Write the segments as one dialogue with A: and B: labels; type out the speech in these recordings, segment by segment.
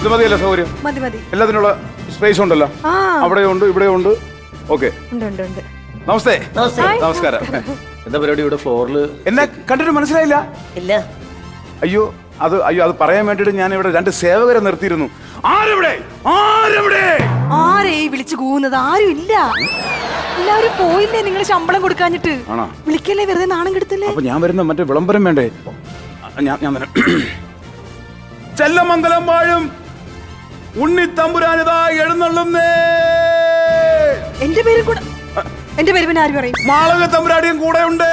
A: ഇത് മതിയല്ലോ സൗകര്യം?
B: മതി മതി.
A: എല്ലാത്തിനുള്ള സ്പേസ് ഉണ്ടല്ലോ, അവിടെയുണ്ട് ഇവിടെയുണ്ട്. ഓക്കെ, നമസ്തേ. നമസ്കാരം.
C: എന്താ പരിപാടി ഇവിടെ ഫ്ലോറിൽ?
A: എന്നെ കണ്ടിട്ട് മനസ്സിലായില്ല?
D: ഇല്ല.
A: അയ്യോ അത് പറയാൻ വേണ്ടിട്ട് ഞാൻ ഇവിടെ 2 സേവകരെ നിർത്തിയിരുന്നു. ആരെവിടെ?
B: ആരെ വിളിച്ചു കൂവുന്നത്? ആരും ഇല്ല, എല്ലാവരും പോയില്ലേ. നിങ്ങൾ ശമ്പളം കൊടുക്കാഞ്ഞിട്ട് വിളിക്കല്ലേ, വെറുതെ നാണം കെടുത്തല്ലേ.
A: അപ്പൊ ഞാൻ വരുന്ന മറ്റേ വിളംബരം വേണ്ടേ? ഞാൻ ചെല്ലമംഗലം വാഴും ഉണ്ണി തമ്പുരാനിതാ എഴുന്നള്ളുന്നേ.
B: എന്റെ പേര് കൂടെ, എന്റെ പേര് പിന്നെ ആര് പറയും?
A: മാളക തമ്പുരാടിയും കൂടെ ഉണ്ട്.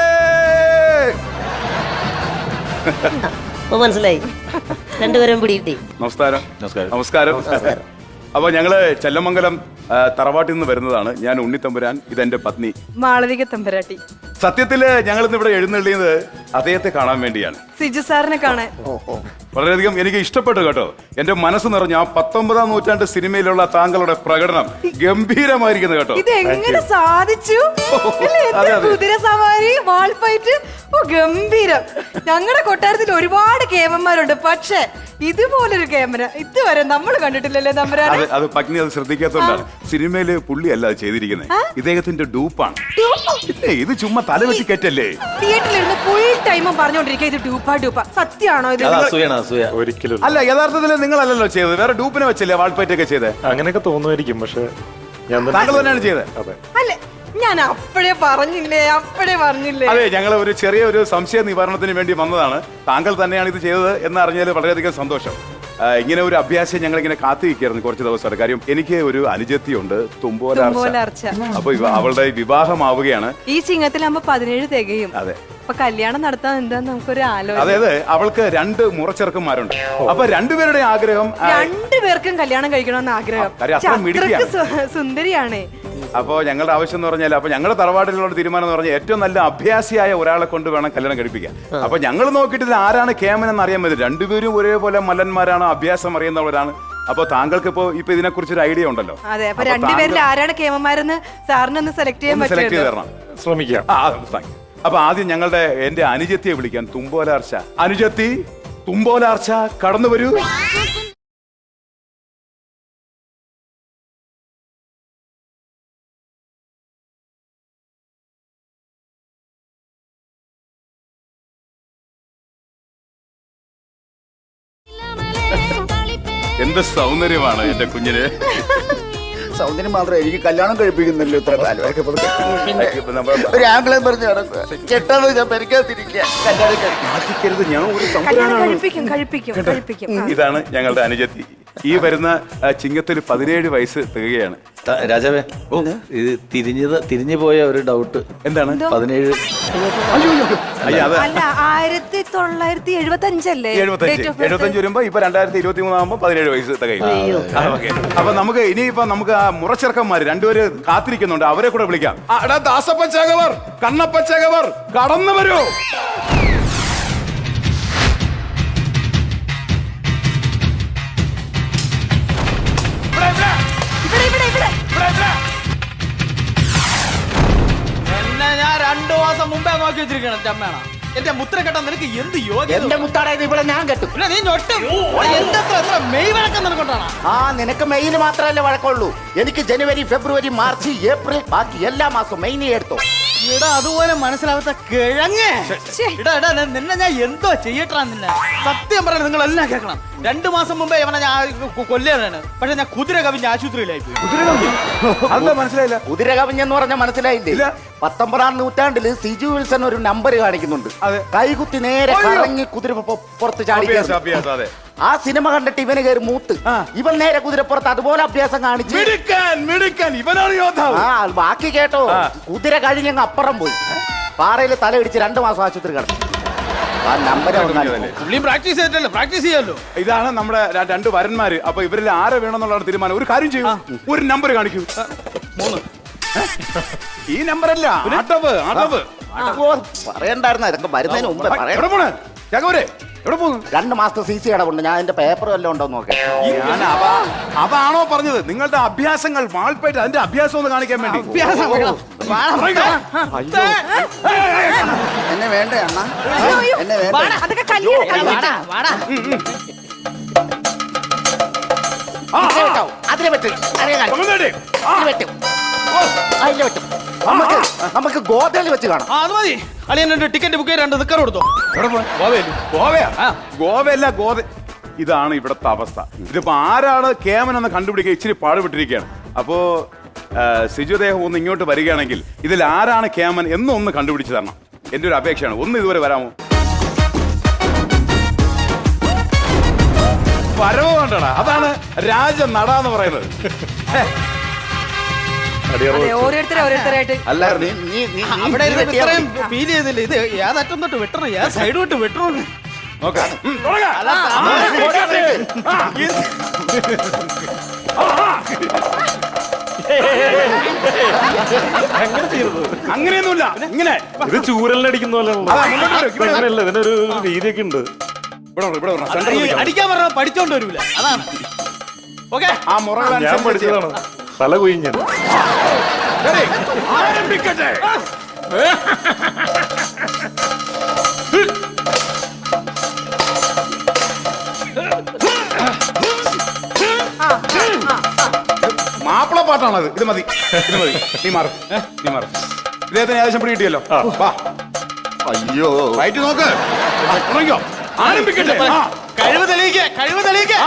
D: മനസ്സിലായി. രണ്ടുപേരും പിടികിട്ടി.
A: നമസ്കാരം. നമസ്കാരം. അപ്പൊ ഞങ്ങള് ചെല്ലമംഗലം തറവാട്ടിൽ നിന്ന് വരുന്നതാണ്. ഞാൻ ഉണ്ണിത്തമ്പുരാൻ, ഇതെന്റെ പത്നി
B: മാളവിക തമ്പുരാട്ടി.
A: സത്യത്തില് ഞങ്ങൾ ഇന്ന് ഇവിടെ എഴുന്നള്ളിയത് അദ്ദേഹത്തെ കാണാൻ വേണ്ടിയാണ്,
B: സിജു സാറിനെ കാണാൻ.
A: വളരെയധികം എനിക്ക് ഇഷ്ടപ്പെട്ടു കേട്ടോ. എന്റെ മനസ്സ് നിറഞ്ഞ ആ 19-ാം നൂറ്റാണ്ട് സിനിമയിലുള്ള താങ്കളുടെ പ്രകടനം ഗംഭീരമായിരിക്കുന്നു കേട്ടോ.
B: ഇത് എങ്ങനെ സാധിച്ചു? കുതിര സവാരി, വാൾഫൈറ്റ്, ഗംഭീരം. ഞങ്ങളുടെ കൊട്ടാരത്തിൽ ഒരുപാട് കേമന്മാരുണ്ട്, പക്ഷെ ഇതുപോലൊരു കേമന ഇതുവരെ നമ്മൾ കണ്ടിട്ടില്ലല്ലേ തമ്പുരാനെ.
A: അത് പത്നി അത് ശ്രദ്ധിക്കാത്തോണ്ടാണ്. സിനിമയില് പുള്ളി അല്ല ചെയ്തിരിക്കുന്നത്, ഇദ്ദേഹത്തിന്റെ ഡൂപ്പാണ്. ഇത് ചുമ്മാ തലവെട്ടി കയറ്റല്ലേ.
B: തിയേറ്ററിലിരുന്ന് ഫുൾ ടൈമും പറഞ്ഞോണ്ടിരിക്കുക ഇത് ഡൂപ്പ. സത്യമാണോ ഇത്?
C: ഒരിക്കലും
A: അല്ല, യഥാർത്ഥത്തിൽ നിങ്ങളല്ലല്ലോ ചെയ്തത്, വേറെ ഡൂപ്പിനെ വെച്ചല്ലേ വാൾപ്പൈറ്റ് ഒക്കെ ചെയ്തത്?
C: അങ്ങനെയൊക്കെ തോന്നുമായിരിക്കും, പക്ഷെ
A: താങ്കൾ തന്നെയാണ് ചെയ്തത്.
B: അല്ലേ, ഞാൻ അപ്പോഴേ പറഞ്ഞില്ലേ.
A: അതെ, ഞങ്ങൾ ഒരു ചെറിയ സംശയ നിവാരണത്തിന് വേണ്ടി വന്നതാണ്. താങ്കൾ തന്നെയാണ് ഇത് ചെയ്തത് എന്ന് അറിഞ്ഞാൽ വളരെയധികം സന്തോഷം. ഇങ്ങനെ ഒരു അഭ്യാസം ഞങ്ങൾ ഇങ്ങനെ കാത്തിരിക്കായിരുന്നു കുറച്ച് ദിവസമായിട്ട്. കാര്യം എനിക്ക് ഒരു അനുജത്തിയുണ്ട്, തുമ്പോലാർച്ച. അപ്പൊ അവളുടെ വിവാഹമാവുകയാണ്.
B: ഈ ചിങ്ങത്തിലാകുമ്പോ 17 തികയും.
A: അതെ,
B: അപ്പൊ കല്യാണം നടത്താൻ എന്താ നമുക്കൊരു ആലോചന.
A: അതായത് അവൾക്ക് 2 മുറച്ചെറുക്കന്മാരുണ്ട്. അപ്പൊ രണ്ടുപേരുടെ ആഗ്രഹം,
B: 2 പേർക്കും കല്യാണം കഴിക്കണമെന്ന് ആഗ്രഹം. സുന്ദരിയാണ്.
A: അപ്പൊ ഞങ്ങളുടെ ആവശ്യം എന്ന് പറഞ്ഞാൽ, അപ്പൊ ഞങ്ങളുടെ തറവാട്ടിലുള്ള തീരുമാനം എന്ന് പറഞ്ഞാൽ ഏറ്റവും നല്ല അഭ്യാസിയായ ഒരാളെ കൊണ്ട് വേണം കല്യാണം കഴിപ്പിക്കാൻ. അപ്പൊ ഞങ്ങൾ നോക്കിയിട്ട് ആരാണ് കേമൻ എന്ന് അറിയാൻ പറ്റും. രണ്ടുപേരും ഒരേപോലെ മല്ലന്മാരാണ്, അഭ്യാസം അറിയുന്നവരാണ്. അപ്പൊ താങ്കൾക്ക് ഇപ്പൊ ഇതിനെ കുറിച്ച് ഒരു ഐഡിയ ഉണ്ടല്ലോ.
B: അതെ, അപ്പൊ രണ്ടുപേരിൽ ആരാണ് കേമന്മാരെന്ന് സാറിനൊന്ന് സെലക്ട് ചെയ്ത്
A: തരണം.
C: ശ്രമിക്കാം.
A: അപ്പൊ ആദ്യം എന്റെ അനുജത്തിയെ വിളിക്കാൻ, തുമ്പോലാർച്ച. അനുജത്തി, തുമ്പോലാർച്ച, കടന്നു വരൂ. എന്ത് സൗന്ദര്യമാണ് എന്റെ കുഞ്ഞിന്.
E: സൗന്ദര്യം മാത്രമേ എനിക്ക് കല്യാണം കഴിപ്പിക്കുന്നില്ല. ഇത്ര കാലം ഒരു ആംഗ്ലം പറഞ്ഞു കെട്ടാതെ ഞാൻ പരിക്കാതിരിക്കുക.
A: ഇതാണ് ഞങ്ങളുടെ അനുജത്തി. ഈ വരുന്ന ചിങ്ങത്തിൽ 17 വയസ്സ് തികയാണ്.
C: രാജാവേ, ഇത് തിരിഞ്ഞു പോയ ഒരു ഡൗട്ട്.
A: എന്താണ്?
C: 17.
B: അല്ല, 1975 അല്ലേ?
A: 75 വരുമ്പോ ഇപ്പൊ 2023 ആകുമ്പോ 17 വയസ്സ് തികയും. അപ്പൊ നമുക്ക് ഇനിയിപ്പോ നമുക്ക് ആ മുറച്ചെറുക്കന്മാര് 2 പേര് കാത്തിരിക്കുന്നുണ്ട്, അവരെ കൂടെ വിളിക്കാം. ദാസപ്പച്ചകവർ, കണ്ണപ്പച്ചകവർ, കടന്നു വരൂ.
F: എന്നെ ഞാൻ 2 മാസം മുമ്പേ നോക്കി വെച്ചിരിക്കണം. ചമ്മേണ എന്റെ മുത്ര കെട്ടാൻ നിനക്ക് എന്ത് യോഗ്യത?
E: എന്റെ മുത്താടായത് ഇവിടെ ഞാൻ കെട്ടും.
F: നീ ഞൊട്ടും. എത്ര മെയ് വഴക്കം നിനക്കൊണ്ടാണ്.
E: നിനക്ക് മെയില് മാത്രമല്ലേ വഴക്കമുള്ളൂ. എനിക്ക് ജനുവരി, ഫെബ്രുവരി, മാർച്ച്, ഏപ്രിൽ, ബാക്കി എല്ലാ മാസവും മെയിനെ എടുത്തോ.
F: ഇടാ അതുപോലെ മനസ്സിലാവാത്ത കിഴങ്ങ്. ഇടാ നിന്നെ ഞാൻ എന്തോ ചെയ്യട്ടാ. നിന്നെ സത്യം പറയാൻ നിങ്ങളെല്ലാം കേൾക്കണം. 2 മാസം മുമ്പേ അവനെ ഞാൻ കൊല്ലാണ്. പക്ഷെ ഞാൻ കുതിര കവിഞ്ഞ് ആശുപത്രിയിലായി പോയി.
A: മനസ്സിലായില്ല?
E: കുതിര കവിഞ്ഞെന്ന് പറഞ്ഞാൽ മനസ്സിലായില്ലേ? 19-ാം നൂറ്റാണ്ടില് സിജു വിൽസൺ ഒരു നമ്പർ കാണിക്കുന്നുണ്ട്. കൈകുത്തി നേരെ കറങ്ങി കുതിര പുറത്ത് ചാടി. ആ സിനിമ കണ്ടിട്ട് ഇവന് കയറി മൂത്ത്. ഇവൻ നേരെ കുതിരപ്പുറത്ത് അതുപോലെ അഭ്യാസം കാണിച്ചു. ബാക്കി കേട്ടോ, കുതിര കഴിഞ്ഞങ്ങ് അപ്പുറം പോയി പാറയിൽ തലയിടിച്ച് 2 മാസം ആശുപത്രി കിടന്നു. ആ നമ്പർ
F: പ്രാക്ടീസ് ചെയ്യാമല്ലോ.
A: ഇതാണ് നമ്മുടെ 2 വരന്മാര്. അപ്പൊ ഇവരിൽ ആരെ വേണമെന്നുള്ള തീരുമാനം. ഒരു കാര്യം ചെയ്യും, ഒരു നമ്പർ കാണിക്കൂ. 3. ഈ നമ്പറല്ല, അടവ്.
E: പറയണ്ടായിരുന്ന ഇതൊക്കെ വരുന്നതിന് മുമ്പേ പറയാം.
A: എവിടെ പോകുന്നു?
E: 2 മാസത്തെ CC അടവുണ്ട്. ഞാൻ എന്റെ പേപ്പർ വല്ലതും ഉണ്ടോ നോക്കാം.
A: അതാണോ പറഞ്ഞത്? നിങ്ങളുടെ അഭ്യാസങ്ങൾ വാൾപ്പേറ്റ്, അതിന്റെ അഭ്യാസം ഒന്ന് കാണിക്കാൻ വേണ്ടി.
E: എന്നെ വേണ്ടേ അണ്ണാ? എന്നെ വേണ്ട. ഇതിലെ വെട്ടാവൂ. അതിലെ വെട്ട്. അതിലെ കാണിക്ക്.
A: തമിഴ്നാട്.
E: ഇതിലെ വെട്ടും. അതിലെ വെട്ടും. നമുക്ക് ഗോതയിൽ വെച്ച് കാണാം.
F: അത് മതി. അളിയൻ രണ്ട് ടിക്കറ്റ് ബുക്ക് ചെയ്ത് രണ്ട് നിക്കർ കൊടുത്തോ.
A: ഗോവയാ? ഗോവയല്ല, ഗോവ. ഇതാണ് ഇവിടുത്തെ അവസ്ഥ. ഇതിപ്പോ ആരാണ് കേമൻ എന്ന് കണ്ടുപിടിക്കുക ഇച്ചിരി പാടുപെട്ടിരിക്കുകയാണ്. അപ്പോ സിജുദേഹം ഒന്ന് ഇങ്ങോട്ട് വരികയാണെങ്കിൽ ഇതിൽ ആരാണ് കേമൻ എന്നൊന്ന് കണ്ടുപിടിച്ച് തരണം. എന്റെ ഒരു അപേക്ഷയാണ്. ഒന്ന് ഇതുവരെ വരാമോ? വരവ് കണ്ടടാ, അതാണ് രാജ നട എന്ന് പറയുന്നത്.
B: അതെ, ഓരോരുത്തരായിട്ട്
E: അല്ല നീ നീ നീ
F: അവിടെ
E: നീ വെട്ടിയാ
F: ഇത്രയും
E: മതി.
F: ഫീൽ ചെയ്തില്ല. ഇത് ഏതറ്റം തൊട്ട് വെട്ടണം, ഏത് സൈഡ് തൊട്ട് വെട്ടണം.
A: നോക്കാം. തുടങ്ങാം. അങ്ങനെയൊന്നുമില്ല, ഇങ്ങനെ
G: ഇത് ചൂരലിനടിക്കുന്ന പോലെ
A: അതാ, മുന്നോട്ട് വരൂ, ഇവിടെ വരൂ.
G: അങ്ങനെയല്ല, ഇതിനൊരു രീതിയൊക്കെ ഉണ്ട്.
A: ഇവിടെ വരണം, സെന്ററിൽ നിൽക്കണം.
F: അടിക്കാൻ പറഞ്ഞ പഠിച്ചോണ്ട് വരൂല. അതാണ് ഓക്കെ.
A: ആ മുറകൾ
G: ഞാൻ
A: അനുസരിച്ച്
G: പഠിച്ചതാണ്. തല കുഴിഞ്ഞൻ.
A: ശരി, ആരംഭിക്കട്ടെ. മാപ്പിള പാട്ടാണത്. ഇത് മതി, ഇത് മതി. നീ മാറും, നീ മാറും. ഇദ്ദേഹത്തിന് ഏകദേശം പിടി കിട്ടിയല്ലോ. വാ,
E: അയ്യോ
A: റൈറ്റ് നോക്ക്. തുടങ്ങിക്കോ. ആരംഭിക്കട്ടെ.
F: കഴിവ് തെളിയിക്കേ, കഴിവ് തെളിയിക്കേ.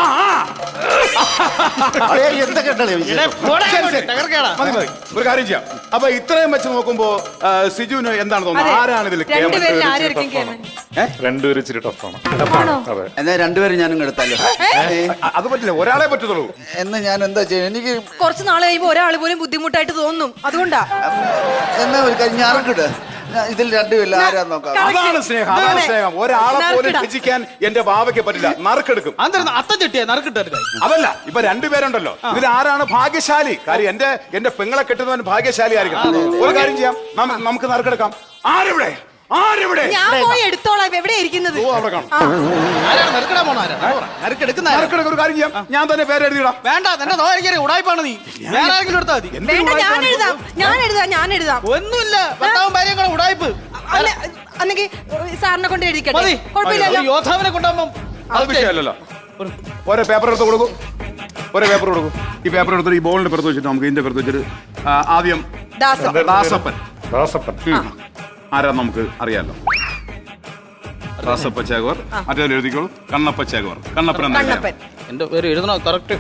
E: അതെ, എന്തൊക്കെ ഉണ്ടല്ലേ വിഷയം?
A: മതി മതി, ഒരു കാര്യം ചെയ്യാം. അപ്പൊ ഇത്രയും വെച്ച് നോക്കുമ്പോ സിജുവിന് എന്താണ് തോന്നുന്നത്? ആരാണ് ഇതിൽ
B: രണ്ടുപേരിൽ ആരായിരിക്കും കേമൻ?
G: രണ്ടുപേരും ഇച്ചിരി ടഫാണ്.
B: ആണോ?
G: അതെ.
E: എന്നാ രണ്ടുപേരും ഞാനും എടുത്തല്ലോ.
A: അത് പറ്റില്ല, ഒരാളെ പറ്റത്തുള്ളൂ.
E: എന്ന് ഞാൻ എന്താ ചെയ്യാ? എനിക്ക്
B: കുറച്ച് നാളെ കഴിയുമ്പോ ഒരാൾ പോലും ബുദ്ധിമുട്ടായിട്ട് തോന്നും. അതുകൊണ്ടാ
E: എന്നാ ഒരു കാര്യം ഞാൻ കിട്ടുക. ഇതിൽ രണ്ടുപേരില്ല ആരാ നോക്കാം.
A: അതാണ് സ്നേഹം, അതാണ് സ്നേഹം. ഒരാളെ പോലും
B: നറുക്കിടാം.
A: രചിക്കാൻ എന്റെ ബാവയ്ക്ക് പറ്റില്ല. നറുക്കെടുക്കും.
F: അത്തം ചെട്ടിയാ നറുക്കിട്ടത്.
A: അതല്ല, ഇപ്പൊ രണ്ടുപേരുണ്ടല്ലോ, ഇതിൽ ആരാണ് ഭാഗ്യശാലി? കാര്യം എന്റെ പെങ്ങളെ കെട്ടുന്നവൻ ഭാഗ്യശാലി ആയിരിക്കണം. ഒരു കാര്യം ചെയ്യാം, നമുക്ക് നറുക്കെടുക്കാം. ആരെവിടെ? ആരെവിടെ?
B: ഞാൻ പോയി എടുത്തോളാം. എവിടെ ഇരിക്കുന്നത്?
A: ഓ, അവിടെ കാണും.
F: ആരാണ് നറുക്കിടാൻ പോണ? നറുക്കെടുക്കുന്ന
A: നറുക്കെടുക്ക. ഒരു കാര്യം ചെയ്യാം, ഞാൻ തന്നെ പേര് എഴുതിയിടാം.
F: വേണ്ട, തന്നെ നോക്കിയാൽ ഉടായ്പാണ് നീ. വേറെ ആരെങ്കിലും എടുത്താൽ മതി.
B: വേണ്ട, ഞാൻ എഴുതാം, ഞാൻ എഴുതാം, ഞാൻ എഴുതാം.
F: ഒന്നുമില്ല, ഭർത്താവും ഭാര്യയും കൂടെ ഉടായ്പ്
B: അല്ല, അന്നെങ്കിൽ സാറിനെ കൊണ്ട് എഴുതിക്കട്ടെ.
F: മതി.
B: കുഴപ്പമില്ലല്ലോ.
F: ഒരു യോദ്ധാവിനെ കൊണ്ടാകുമ്പോ
A: അത് വിഷയമല്ലല്ലോ. ഓരോ പേപ്പർ എടുത്ത് കൊടുക്കും, ഓരോ പേപ്പർ കൊടുക്കും. ഈ പേപ്പർ എടുത്തിട്ട് ഈ ബോളിന്റെ പുറത്ത് വെച്ചിട്ട് നമുക്ക് ഇതിന്റെ പുറത്ത് വെച്ചിട്ട് ആദ്യം
B: ദാസം.
A: ദാസപ്പൻ.
G: ദാസപ്പൻ.
A: ആരാ നമുക്ക് അറിയാലോ. ദാസപ്പ ചേകവർ. മറ്റേ എഴുതിക്കോളൂ, കണ്ണപ്പ ചേകവർ. കണ്ണപ്പൻ എന്ന
B: കണ്ണപ്പൻ.
F: എന്റെ പേര് എഴുതണോ കറക്റ്റ്?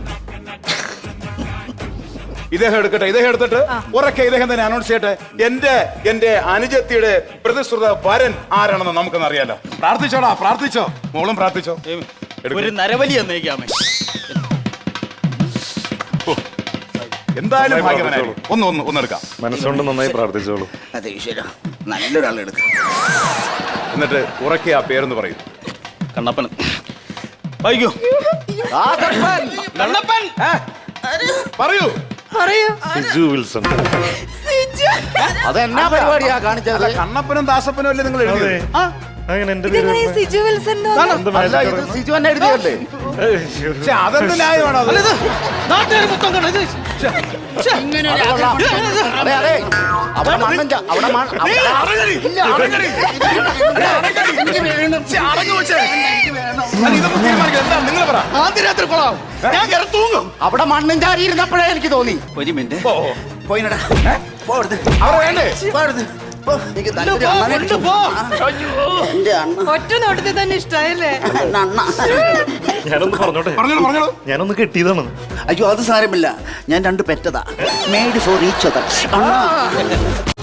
A: ഇദ്ദേഹം എടുക്കട്ടെ. ഇദ്ദേഹം എടുത്തിട്ട് ഉറക്കെ ഇദ്ദേഹം തന്നെ അനൗൺസ് ചെയ്യട്ടെ. എന്റെ അനുജത്തിയുടെ പ്രതിശ്രുത വരൻ ആരാണെന്ന് നമുക്കൊന്ന് അറിയാലോ. പ്രാർത്ഥിച്ചോടാ, പ്രാർത്ഥിച്ചോ. മോളും പ്രാർത്ഥിച്ചോ.
F: ഒരു നരബലി എന്നേക്കാമേ.
A: എന്തായാലും ഭാഗ്യവാനായി. ഒന്നെടുക്കാം.
G: മനസ്സുകൊണ്ട് നന്നായി പ്രാർത്ഥിച്ചോളൂ.
E: അതെ ഈശ്വര, നല്ലൊരാൾ എടുക്കാം.
A: എന്നിട്ട് ഉറക്കെ ആ പേരെന്ന് പറയും.
F: കണ്ണപ്പൻ. വൈകൂ. കണ്ണപ്പൻ.
A: പറയൂ.
B: പറയൂ.
G: സിജു വിൽസൺ.
E: അതെന്നാ പരിപാടിയാ കാണിച്ചത്?
A: കണ്ണപ്പനും ദാസപ്പനും അല്ലേ നിങ്ങൾ
G: അതെ.
A: എഴുതിയത്?
G: അങ്ങനെ എന്റെ പേര്
B: ഇതെങ്ങനെ ഈ സിജു വിൽസൺ എന്ന് വന്നു?
G: എന്ത്
E: അല്ല,
G: magic
E: ഇത്
G: ആണ്?
E: സിജു തന്നെ എഴുതിയല്ലേ?
A: പക്ഷെ അതെന്ത് ന്യായമാണോ അത്?
F: അല്ല, ഇത് നാട്ടുകാർ മൊത്തം കാണും. ഇത്
E: അതെ അതെ, അവിടെ മണ്ണും അവിടെ
A: നിങ്ങൾ പറ.
F: ആദ്യ രാത്രി കൊള്ളാം. ഞാൻ കയറി തൂങ്ങും.
E: അവിടെ മണ്ണും ചാരി ഇരുന്നപ്പോഴേ എനിക്ക് തോന്നി. ഒരു മിനിറ്റ് പോയിനടാ, പോടുത്
A: അവിടെ വേണ്ടേ?
E: പോടുത്. എനിക്ക് നല്ലൊരു
F: പോ,
E: അണ്ണനെ
F: കൊണ്ടു പോ.
E: എന്റെ അണ്ണ
B: ഒറ്റ നോട്ടത്തിൽ തന്നെ ഇഷ്ടമായില്ലേ?
E: അണ്ണ.
G: ഞാനൊന്ന് പറഞ്ഞോട്ടെ.
A: പറഞ്ഞോളൂ.
G: ഞാനൊന്ന് കെട്ടിയതാണ്.
E: അയ്യോ അത് സാരമില്ല, ഞാൻ രണ്ട് പെറ്റതാ. Made for each other.